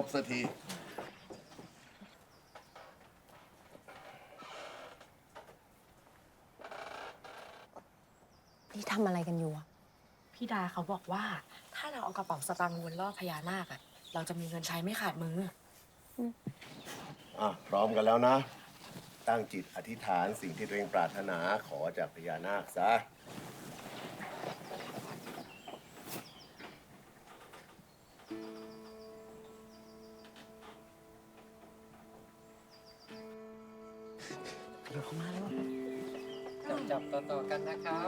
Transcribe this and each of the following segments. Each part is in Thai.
บสักทีนี่ทำอะไรกันอยู่อะพี่ดาเขาบอกว่าถ้าเราเอากระเป๋าสตางค์วนรอบพญานาคอะเราจะมีเงินใช้ไม่ขาดมือพร้อมกันแล้วนะ ตั้งจิตอธิษฐานสิ่งที่ตัวเองปรารถนาขอจากพญานาคซะเดี๋ยวเขามาแล้วจับต่อๆกันนะครับ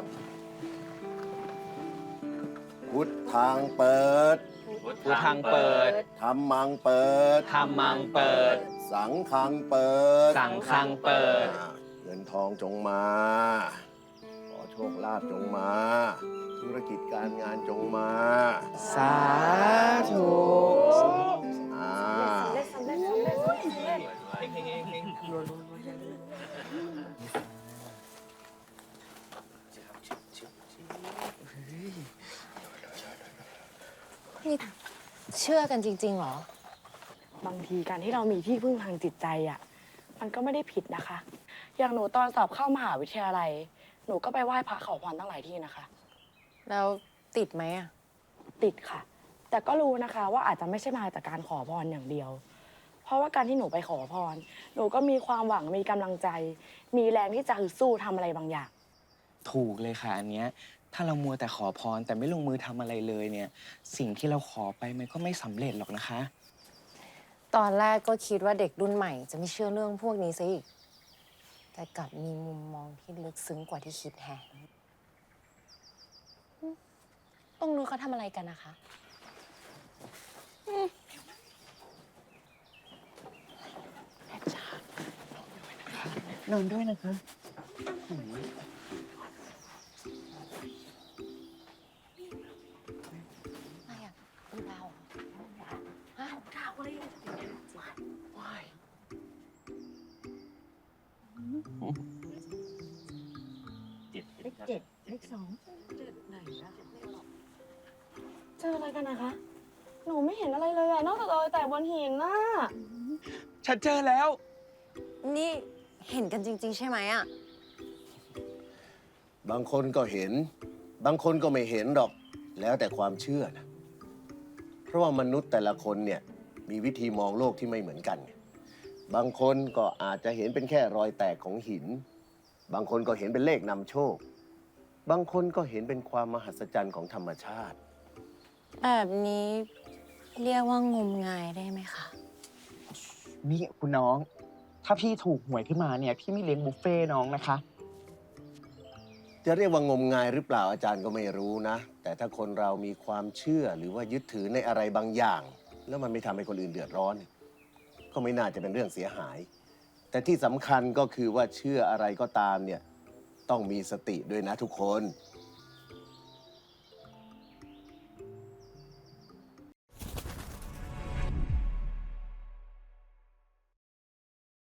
พุทธังเปิดพุทธังเปิดธัมมังเปิดธัมมังเปิดสังฆังเปิดสังฆังเปิดเงินทองจงมา ขอโชคลาภจงมา ธุรกิจการงานจงมาสาธุอ่านี่เชื่อกันจริงๆเหรอบางทีการที่เรามีที่พึ่งทางจิตใจอะมันก็ไม่ได้ผิดนะคะ อย่างหนูตอนสอบเข้ามหาวิทยาลัย หนูก็ไปไหว้พระขอพรตั้งหลายที่นะคะแล้วติดไหมอะติดค่ะ แต่ก็รู้นะคะว่าอาจจะไม่ใช่มาจากการขอพรอย่างเดียว เพราะว่าการที่หนูไปขอพร หนูก็มีความหวังมีกำลังใจ มีแรงที่จะฮึดสู้ทำอะไรบางอย่างถูกเลยค่ะอันเนี้ยถ้าเรามัวแต่ขอพรแต่ไม่ลงมือทำอะไรเลยเนี่ย สิ่งที่เราขอไปมันก็ไม่สำเร็จหรอกนะคะตอนแรกก็คิดว่าเด็กรุ่นใหม่จะไม่เชื่อเรื่องพวกนี้ซะอีก แต่กลับมีมุมมองที่ลึกซึ้งกว่าที่คิดแฮะตรงนู้นเขาทำอะไรกันนะคะนอนด้วยนะคะอะไรอ่ะดูดาวเหรอฮะดาวอะไรอ่ะว้ายเลข7 เลข 2ไหนนะเจออะไรกันนะคะ หนูไม่เห็นอะไรเลยอะนอกจากรอยแตกบนหินน่ะฉันเจอแล้วนี่เห็นกันจริง ๆ ใช่ไหมอ่ะบางคนก็เห็น บางคนก็ไม่เห็นหรอก แล้วแต่ความเชื่อนะ เพราะว่ามนุษย์แต่ละคนเนี่ยมีวิธีมองโลกที่ไม่เหมือนกันไงบางคนก็อาจจะเห็นเป็นแค่รอยแตกของหิน บางคนก็เห็นเป็นเลขนำโชค บางคนก็เห็นเป็นความมหัศจรรย์ของธรรมชาติแบบนี้เรียกว่างมงายได้ไหมคะนี่คุณน้อง ถ้าพี่ถูกหวยขึ้นมาเนี่ย พี่ไม่เลี้ยงบุฟเฟ่ต์น้องนะคะจะเรียกว่างมงายหรือเปล่าอาจารย์ก็ไม่รู้นะ แต่ถ้าคนเรามีความเชื่อหรือว่ายึดถือในอะไรบางอย่าง แล้วมันไม่ทำให้คนอื่นเดือดร้อน ก็ไม่น่าจะเป็นเรื่องเสียหาย แต่ที่สำคัญก็คือว่าเชื่ออะไรก็ตามเนี่ยต้องมีสติด้วยนะทุกคน